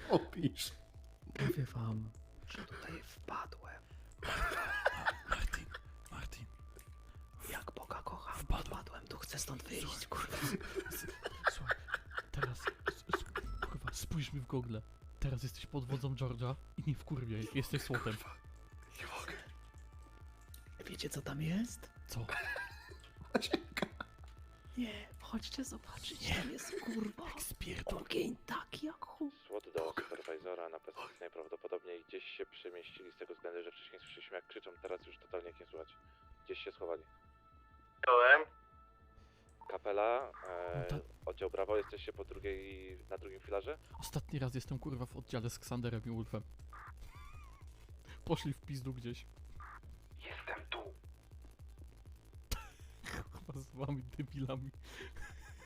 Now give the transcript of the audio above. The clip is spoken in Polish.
robisz? Mówię wam, że tutaj wpadłem. Martin. Jak Boga kocham, wpadłem tu, chcę stąd wyjść, kurwa. Słuchaj, teraz, kurwa, spójrz mi w gogle. Teraz jesteś pod wodzą George'a i nie wkurwiaj, jesteś słotem. Nie mogę. Wiecie co tam jest? Co? Nie, chodźcie zobaczyć, tam jest kurwa. Spierdol. Ogień taki jak chuj. SWAT do superwizora na pozycji najprawdopodobniej gdzieś się przemieścili z tego względu, że wcześniej słyszeliśmy jak krzyczą, teraz już totalnie ich nie słychać. Gdzieś się schowali. Byłem. Kapela, tak. oddział Brawo, jesteście na drugim filarze? Ostatni raz jestem kurwa w oddziale z Xanderem i Wolfem. Poszli w pizdu gdzieś. Jestem tu. Kurwa z wami debilami.